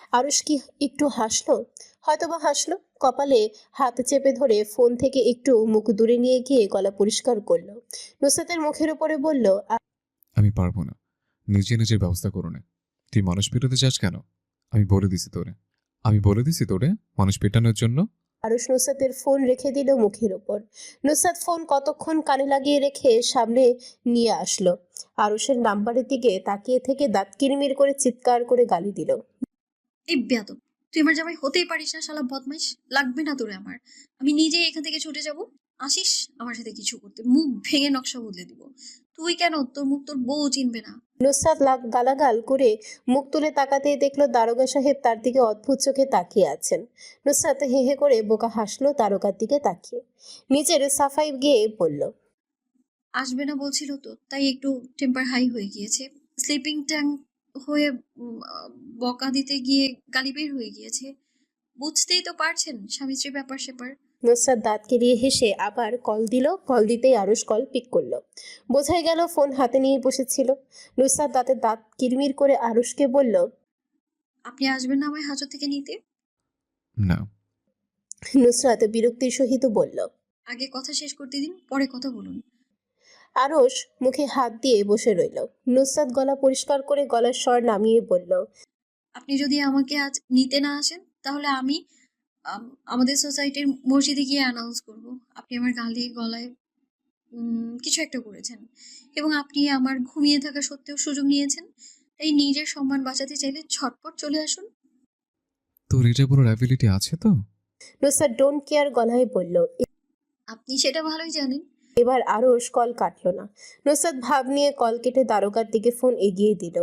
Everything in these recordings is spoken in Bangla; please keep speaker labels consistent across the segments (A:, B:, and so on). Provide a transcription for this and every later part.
A: আরুষ কি একটু হাসলো? হয়তোবা হাসলো। কপালে হাত চেপে ধরে ফোন থেকে একটু মুখ দূরে নিয়ে গিয়ে গলা পরিষ্কার করলো। নুসরাতের মুখের উপরে বলল,
B: আমি পারবো না। নিজে নিজের ব্যবস্থা করো না। তুই মানুষ পেটাতে চাস কেন? আমি বলে দিছি তোরে। আমি বলে দিছি তোরে মানুষ পেটানোর জন্য।
A: আরুষ নুসরাতের ফোন রেখে দিল মুখের উপর। নুসরাত ফোন কতক্ষণ কানে লাগিয়ে রেখে সামনে নিয়ে আসলো। আরুষের নাম্বারের দিকে তাকিয়ে থেকে দাঁত কিরমির করে চিৎকার করে গালি দিল।
C: এই বেয়াদব, তুই আমার জামাই হতেই পারিস না শালা বদমাইশ। লাগবে না তোরে আমার। আমি নিজেই এখান থেকে ছুটে যাব। আসিস আমার সাথে কিছু করতে, মুখ ভেঙে নকশা বদলে দিব। তুই কেন, তোর মুখ তোর বউ চিনবে না।
A: নুসরাত গালাগাল করে মুখ তুলে তাকাতেই দেখলো দারোগা সাহেব তার দিকে অদ্ভুত চোখে তাকিয়ে আছেন। নুসরাত হে হে করে বোকা হাসলো দারোগার দিকে তাকিয়ে। নিজের সাফাই গিয়ে বলল,
C: আসবে না বলছিল তো, তাই একটু টেম্পার হাই হয়ে গিয়েছে। স্লিপিং ট্যাঙ্ক হয়ে বকা দিতে গিয়ে গালি বের হয়ে গিয়েছে। বুঝতেই তো পারছেন স্বামী স্ত্রী ব্যাপার স্যাপার।
A: নুসরাত দাঁত কেলিয়ে হেসে আবার কল দিল। কল দিতেই আরুষ কল পিক করলো। বোঝাই গেল ফোন হাতে নিয়ে বসেছিল। নুসরাত দাঁত কিরমির করে আরুষকে বলল,
C: আপনি আসবেন না আমায় হাজত থেকে নিতে?
B: না।
A: নুসরাত বিরক্তির সহিত বলল।
C: আগে কথা শেষ করতে দিন, পরে কথা বলুন।
A: আরুষ মুখে হাত দিয়ে বসে রইল। নুসরাত গলা পরিষ্কার করে গলার স্বর নামিয়ে বলল,
C: আপনি যদি আমাকে আজ নিতে না আসেন, তাহলে আমি আমাদের সোসাইটির মসজিদে গিয়ে অ্যানাউন্স করব আপনি আমার গালে গলায় কিছু একটা করেছেন, এবং আপনি আমার ঘুমিয়ে থাকা সত্ত্বেও সুযোগ নিয়েছেন। তাই নিজের সম্মান বাঁচাতে চাইলে ঝটপট চলে আসুন।
B: তোর এটা বলার অ্যাবিলিটি আছে তো?
A: নুসরাত ডোন্ট কেয়ার গলায় বলল।
C: আপনি সেটা ভালোই জানেন।
A: এবার আরুষ কল কাটলো না। নুসরাত ভাব নিয়ে কল কেটে দারোগার দিকে ফোন এগিয়ে দিল।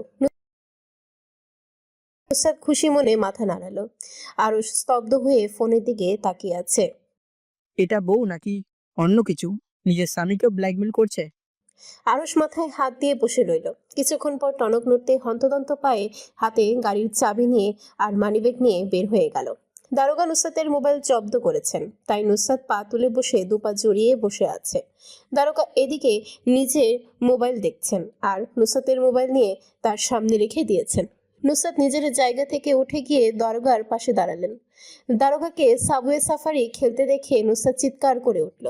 A: নুসরাত খুশি মনে মাথা নাড়ালো। আরুষ স্তব্ধ হয়ে ফোনের দিকে তাকিয়ে আছে।
D: এটা বউ নাকি অন্য কিছু? নিজের স্বামীকেও ব্ল্যাকমেল করছে।
A: আরুষ মাথায় হাত দিয়ে বসে রইল। কিছুক্ষণ পর টনক নড়তে হন্তদন্ত পায়ে হাতে গাড়ির চাবি নিয়ে আর মানিব্যাগ নিয়ে বের হয়ে গেল। দারোগা নুসরাতের মোবাইল জব্দ করেছেন, তাই নুসরাত পা তুলে বসে দুপা জড়িয়ে বসে আছে। দারোগা এদিকে নিজের মোবাইল দেখছেন আর নুসরাতের মোবাইল নিয়ে তার সামনে রেখে দিয়েছেন। নুসরাত নিজের জায়গা থেকে উঠে গিয়ে দারোগার পাশে দাঁড়ালেন। দারোগাকে সাবওয়ে সাফারি খেলতে দেখে নুসরাত চিৎকার করে উঠল।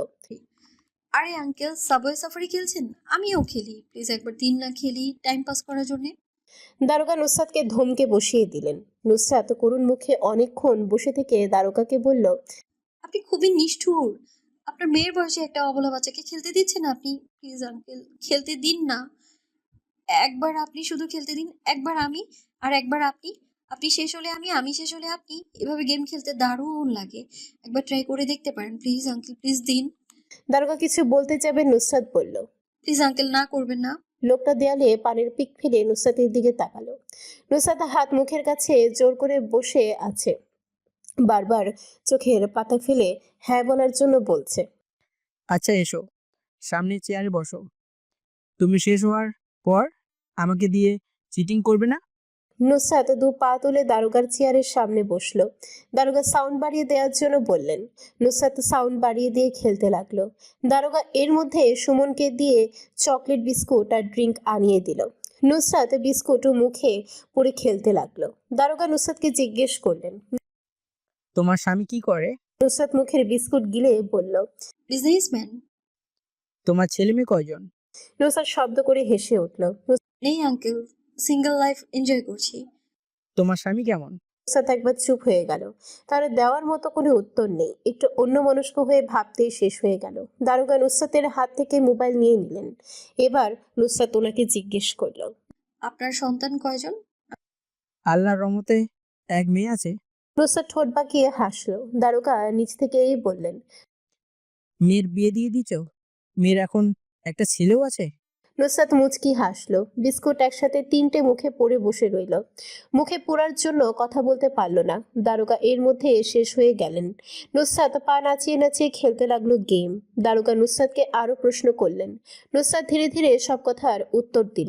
C: আরে আঙ্কেল, সাবওয়ে সাফারি খেলছেন? আমিও খেলি, প্লিজ একবার দিন না খেলি টাইম পাস করার জন্য।
A: দারোগা নুসরাতকে ধমকে বসিয়ে দিলেন। নুসরাত করুণ মুখে অনেকক্ষণ বসে থেকে দারোগাকে বলল,
C: আপনি খুবই নিষ্ঠুর। আপনার মেয়ের বয়সে একটা অবলা বাচ্চাকে খেলতে দিচ্ছেন আপনি? প্লিজ আঙ্কেল, খেলতে দিন না। একবার আপনি শুধু খেলতে দিন, একবার আমি, আর একবার আপনি। আপনি শেষ হলে আমি, আমি শেষ হলে আপনি। এভাবে গেম খেলতে দারুণ লাগে। একবার ট্রাই করে দেখতে পারেন, প্লিজ আঙ্কেল, প্লিজ দিন।
A: দারোগা কিছু বলতে যাবে নুসরাত বলল।
C: প্লিজ আঙ্কেল, না করবেন না।
A: লোকটা দেয়ালে পানের পিক ফেলে নুসরাতের দিকে তাকালো। নুসরাত হাত মুখের কাছে জোর করে বসে আছে। বারবার চোখের পাতা ফেলে হ্যাঁ বলার জন্য বলছে।
D: আচ্ছা এসো, সামনে চেয়ারে বসো। তুমি শেষ হওয়ার পর আমাকে দিয়ে চিটিং করবে না?
A: নুসরাত দু পা তুলে দারোগার চেয়ারের সামনে বসলো। দারোগা সাউন্ড বাড়িয়ে দেওয়ার জন্য বললেন। নুসরাত সাউন্ড বাড়িয়ে দিয়ে খেলতে লাগলো। দারোগা এর মধ্যে সুমনকে দিয়ে চকলেট বিস্কুট আর ড্রিঙ্ক আনিয়ে দিল। নুসরাত বিস্কুট মুখে পুরে খেলতে লাগলো। দারোগা নুসরাতকে জিজ্ঞেস করলেন।
D: তোমার স্বামী কি করে?
A: নুসরাত মুখের বিস্কুট গিলে বলল।
C: বিজনেসম্যান।
D: তোমার ছেলে মেয়ে কয়জন?
A: নুসরাত শব্দ করে হেসে উঠল।
C: নেই আঙ্কেল, সিঙ্গেল লাইফ এনজয় করছি।
D: তোমার স্বামী কেমন?
A: নুসরাত একবার চুপ হয়ে গেল। তার দেওয়ার মতো কোনো উত্তর নেই। একটু অন্যমনস্ক হয়ে ভাবতেই শেষ হয়ে গেল। দারোগা নুসরাতের হাত থেকে মোবাইল নিয়ে নিলেন। এবার নুসরাত ওনাকে জিজ্ঞেস করল।
C: আপনার সন্তান কয়জন?
D: আল্লাহর রহমতে এক মেয়ে আছে।
A: নুসরাত ঠোঁট বাঁকিয়ে হাসলো। দারোগা নিচ থেকেই বললেন।
D: মেয়ের বিয়ে দিয়ে দিচ্ছ? মেয়ের এখন একটা ছেলেও আছে?
A: নুসরাত মুচকি হাসলো। বিস্কুট একসাথে তিনটে মুখে পড়ে বসে রইল। মুখে পোড়ার জন্য কথা বলতে পারল না। দারোগা এর মধ্যে শেষ হয়ে গেলেন। নুসরাত পা নাচিয়ে নাচিয়ে খেলতে লাগলো গেম। দারোগা নুসরাতকে আরো প্রশ্ন করলেন। নুসরাত ধীরে ধীরে সব কথার উত্তর দিল।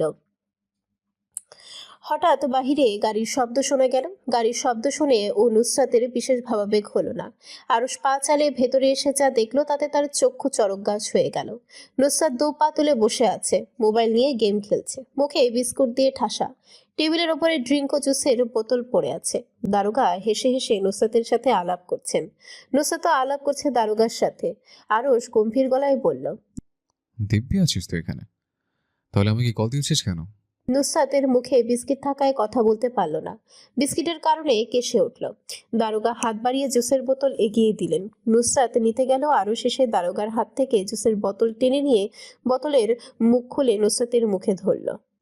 A: হঠাৎ বাহিরে গাড়ির শব্দ শোনা গেল। গাড়ির শব্দ শুনে ও নুসরাতের বিশেষ ভাবাবেগ হলো না। আরুষ পা চালিয়ে ভেতরে এসে যা দেখলো তাতে তার চক্ষু চড়ক গাছ হয়ে গেল। নুসরাত দু পা তুলে বসে আছে, মোবাইল নিয়ে গেম খেলছে, মুখে বিস্কুট দিয়ে ঠাসা। টেবিলের ওপরে ড্রিঙ্ক ও জুসের বোতল পড়ে আছে। দারোগা হেসে হেসে নুসরাতের সাথে আলাপ করছেন। নুসরাতও আলাপ করছে দারোগার সাথে। আরশ গম্ভীর গলায় বলল,
B: দিব্যি আছিস তো এখানে? তাহলে আমাকে কল দিয়েছিস কেন?
A: নুসরাতের মুখে বিস্কিট থাকায় কথা বলতে পারল না। বিস্কিটের কারণে কেসে উঠল। দারোগা হাত বাড়িয়ে জুসের বোতল এগিয়ে দিলেন। নুসরাত নিতে গেল, আরও শেষে দারোগার হাত থেকে জুসের বোতল টেনে নিয়ে বোতলের মুখ খুলে নুসরাতের মুখে ধরল।